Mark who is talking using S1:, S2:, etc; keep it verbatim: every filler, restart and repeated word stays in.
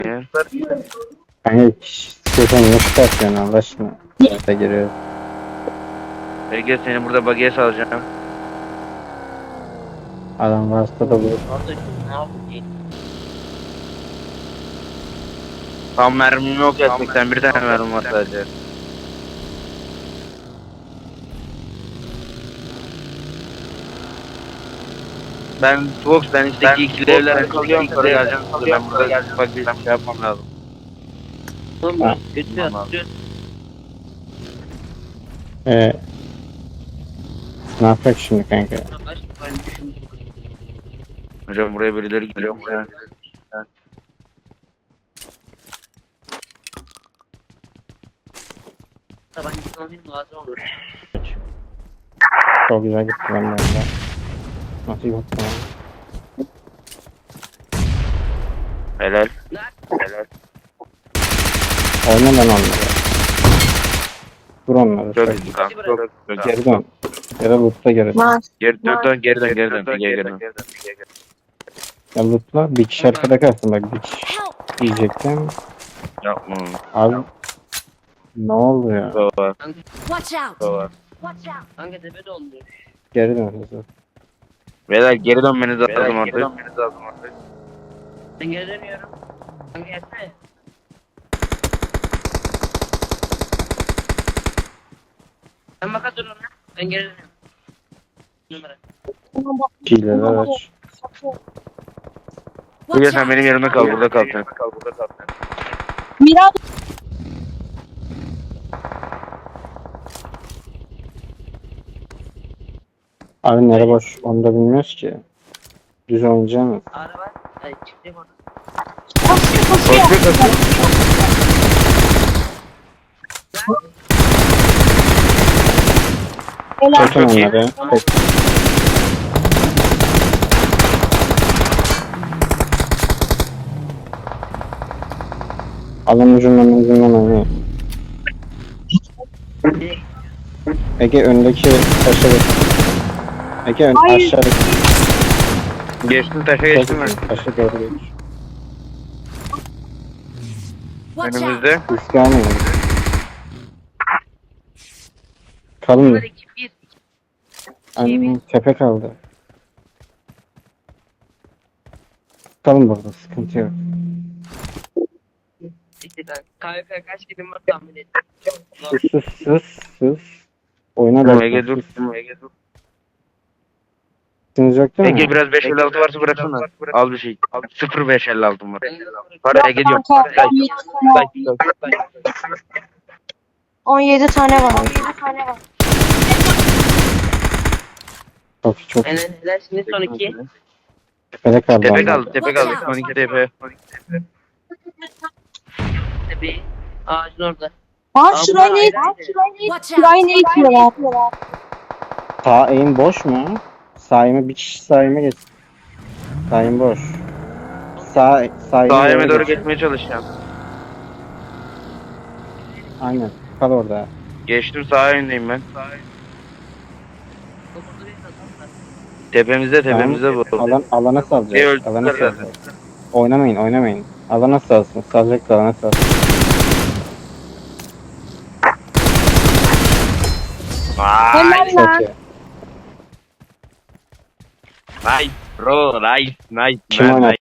S1: ya?
S2: Hani istiyorsan ne çıkartıyorsun Allah aşkına? Orada giriyor.
S1: Ege seni burada bagaya salacağım.
S2: Adam varsa da bu.
S1: Tam mermim yok ya. seksen bir tane mermim var sadece. Ben Fox ben üstteki ikili evlere kalıyorum sonra geleceğim. Ben burada ufak bir şey yapmam lazım.
S2: Ha.
S1: Tamam abi.
S2: Ee, ne yapacak şimdi kanka?
S1: Hocam buraya birileri geliyor mu ya?
S2: Çok güzel gitti ben de orada. Nasıl gitti lan?
S1: Helal. Helal.
S2: Oyna lan onları. Vur onları.
S1: Çok
S2: Çok
S1: iyi kanka. Çok, çok
S2: geri dön. Ya da loot'ta geri dön.
S1: Geri dön, dön, geri dön, geri dön, geri dön.
S2: Ya loot'la bir kişi arkada kalsın bak bir kişi diyecektim.
S1: Yapma.
S2: Abi ne oldu ya?
S1: Doğru.
S3: Watch out!
S1: Doğru.
S3: Watch out! Hangi tepe de olmuyor?
S2: Geri dön hızlı.
S1: Beyler geri dönmeniz lazım artık. Geri dönmeniz lazım artık.
S3: Ben geri dönüyorum. Hangi gelsene. Sen baka dur ona. Ben geri dönüyorum. Numara.
S2: Şeyleri aç.
S1: Bugün sen benim yerimde kal, burada kal sen.
S4: Miran
S2: Abi nere boş onu da bilmiyoruz ki. Düz oynayacağım.
S3: Araba. Ay çıktı orada.
S4: koşuyor koşuyor.
S1: Koşuyor koşuyor.
S4: Helal.
S2: Çekin
S1: Çok iyi.
S2: onları. Tek. Alın ucundan ucundan oynayın. Ege öndeki taşa geç. Ege ön
S4: Hayır.
S2: aşağıdaki
S1: Geçtim taşa geçtim ben.
S2: taşa doğru geç.
S3: Watch out!
S1: Önümüzde.
S2: Risk almayın. Kalın.
S3: Numara iki bir.
S2: Annem tepe kaldı. Kalın burada sıkıntı yok.
S3: İşte ben K V K kaç kilim var tahmin et.
S2: Sus sus sus sus. Oyna da.
S1: Ege dur. Ege dur.
S2: Siz yok değil mi?
S1: Ege biraz beş elli altı varsa bıraksana. Al bir şey. sıfır beş elli altım var. Para
S4: Yok
S1: Ege diyorum.
S4: kanka,
S1: Say,
S4: on yedi tane
S1: say,
S4: var.
S1: say, say.
S4: on yedi tane var. on yedi tane var.
S2: Çok çok
S3: Aynen helal şimdi son iki.
S2: tepede kaldı.
S1: Tepe
S2: onlar.
S1: kaldı, tepe kaldı. on iki tepe.
S3: Tepeyi. Ağacın orada.
S4: Aa
S3: Aa,
S4: şurayı
S3: bunlar
S4: ne
S3: ayrı ayrı.
S4: Şurayı ne itiyorlar?
S2: Sağ eğim boş mu? Sağ eğime bir kişi sağ eğime geç. Sağ eğim boş. Sağ sağ eğime
S1: Sahime doğru
S2: geç.
S1: geçmeye çalışacağım.
S2: Aynen. Kal orada.
S1: Geçtim sağ yöndeyim ben.
S3: Dokuzda bir adam var.
S1: Tepemizde tepemizde bu.
S2: Alan alana
S1: Bir
S2: salacak.
S1: öldüler
S2: Alana
S1: zaten.
S2: salacak. Oynamayın, oynamayın. Alana salsın. Salacak da alana salsın.
S1: Vay,
S4: Helal
S2: Çok
S4: lan.
S2: iyi.
S1: nice bro, nice, nice,
S2: Kim
S1: man,
S2: oynadı?
S1: nice.